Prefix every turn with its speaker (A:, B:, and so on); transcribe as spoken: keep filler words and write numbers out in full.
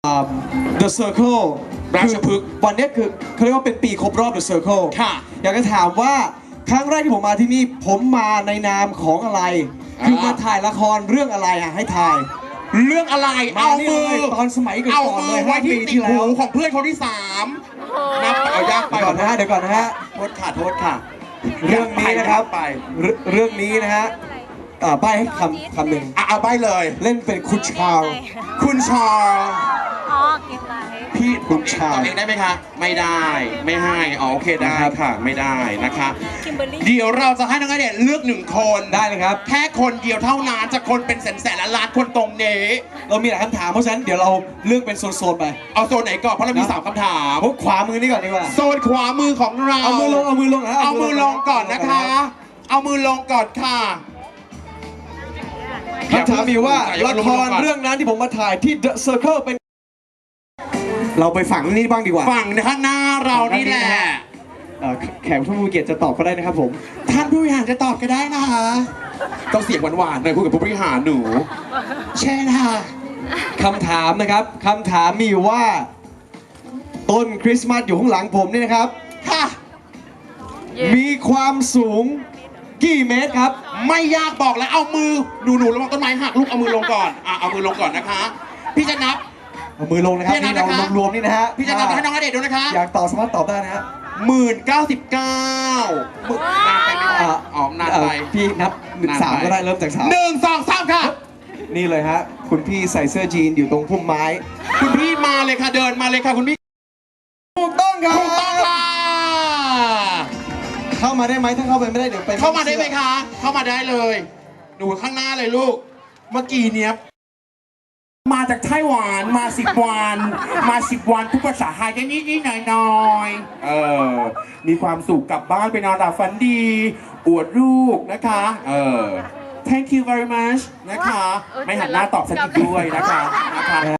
A: The Circle
B: ราชพฤกษ์
A: วันนี้คือเขาเรียกว่าเป็นปีครบรอบ The Circle
B: ค่ะ
A: อยากจะถามว่าครั้งแรกที่ผมมาที่นี่ผมมาในนามของอะไร คือมาถ่ายละครเรื่องอะไรอ่ะให้ถ่าย
B: เรื่องอะไร
A: มา
B: เอา
A: นี่
B: มื
A: เล
B: อย
A: ตอนสมัยก่อน
B: เอา
A: ๆ
B: มื
A: เล
B: อย ไว้
A: ห้า
B: ที่
A: ปี
B: ติด
A: ที่แล้
B: หู
A: ว
B: ของเพื่อนคนที่สามนับเอายากไป
A: เดี๋ยวก่อนนะฮะเดี๋ยวก่อนนะฮะ
B: โทษค่ะโทษค่ะ
A: เรื่องนี้นะครับ
B: ไป
A: เรื่องเรื่องนี้นะฮะอ่าใบให้คำคำหนึ่ง
B: อ่ะเอาใบเลย
A: เล่นเป็นคุณชาว
B: คุณชอ
C: อ๋อเก็บไว้
B: พี่
A: คุณชา
B: ตอบเองได้ไหมคะ ไม่ได้ ไม่ให้อ๋อโอเคได้ค่ะ ไม่ได้นะคะ
C: คิมเบอร์รี่
B: เดี๋ยวเราจะให้น้องณเดชน์เลือกหนึ่งคน
A: ได้เลยครับ
B: แค่คนเดียวเท่านั้นจะคนเป็นแสนแสนล้านล้านคนตรงนี้
A: เรามีหลายคำถามเพราะฉะนั้นเดี๋ยวเราเลือกเป็นโซนๆไป
B: เอาโซนไหนก่อนเพราะเรามีสามคำถาม
A: พวกขวามือนี่ก่อนดีกว่า
B: โซนขวามือของเรา
A: เอามือลงเอามือลงนะ
B: เอามือลงก่อนนะคะ เอามือลงก่อนค่ะ
A: คำถามมีว่า
B: อย่า
A: ละ
B: เพิ่ง
A: ค
B: ลง
A: ร
B: ก่อน
A: เรื่องนั้นที่ผมมาถ่ายที่ The Circle เป็น เราไปฝังนี่บ้างดีกว่า
B: ฝั่งข้างหน้าเรานี่แหละ
A: เอ่อแขกผู้มีเกียรติจะตอบก็ได้นะครับผม
B: ท่านผู้บริหารจะตอบก็ได้นะคะต้องเสียงหวานๆหน่อยคุยกับผู้บริหารหนูใช่ค่ะ
A: คำถามนะครับคำถามมีอยู่ว่า ต้นคริสต์มาสอยู่ข้างหลังผมนี่นะครับ
B: ค่ะ
A: มีความสูงกี่เมตรครับ
B: ไม่ยากบอกแล้วเอามือหนูหนูระวังต้นไม้หักลูกเอามือลงก่อนอ่ะเอามือลงก่อนนะคะ พี่จะนับ
A: เอามือลงนะครับ
B: พี่นั
A: นี่
B: บ
A: เรา
B: นะคะ
A: รวมๆนี่นะฮะ
B: พี่จะนับให้น้องณเดชน์ดูนะคะ
A: อยากตอบสามารถตอบได้นะฮะ
B: หมื่นเก้าสิบเก้าหมื่นนานไปไหม
A: อ่ะ
B: อ๋อนานไป
A: เอ่อพี่นับหนึ่ง
B: นานไป
A: สามก็ได้เริ่มจากสาม
B: หนึ่งสองสามค่ะ
A: นี่เลยฮะคุณพี่ใส่เสื้อจีนอยู่ตรงพุ่มไม้
B: คุณพี่มาเลยค่ะเดินมาเลยค่ะคุณพี่
A: ถูกต้องครับ
B: ถูกต้องค่ะ
A: เข้ามาได้ไหมถ้าเข้าไปไม่ได้เดี๋ยวไป
B: เข้ามาได้ไหมคะ เข้ามาได้เลย หนูข้างหน้าเลยลูก เมื่อกี้เนี้ยมาจากไต้หวันมาสิบวัน มาสิบวันทุกภาษาไทยได้นิดนิดหน่อยหน่อยๆเออ มีความสุขกลับบ้านไปนอนหลับฝันดี อวดลูกนะคะ เออ thank you very much นะคะ ไม่หันหน้าตอบฉันอีกด้วยนะคะนะคะ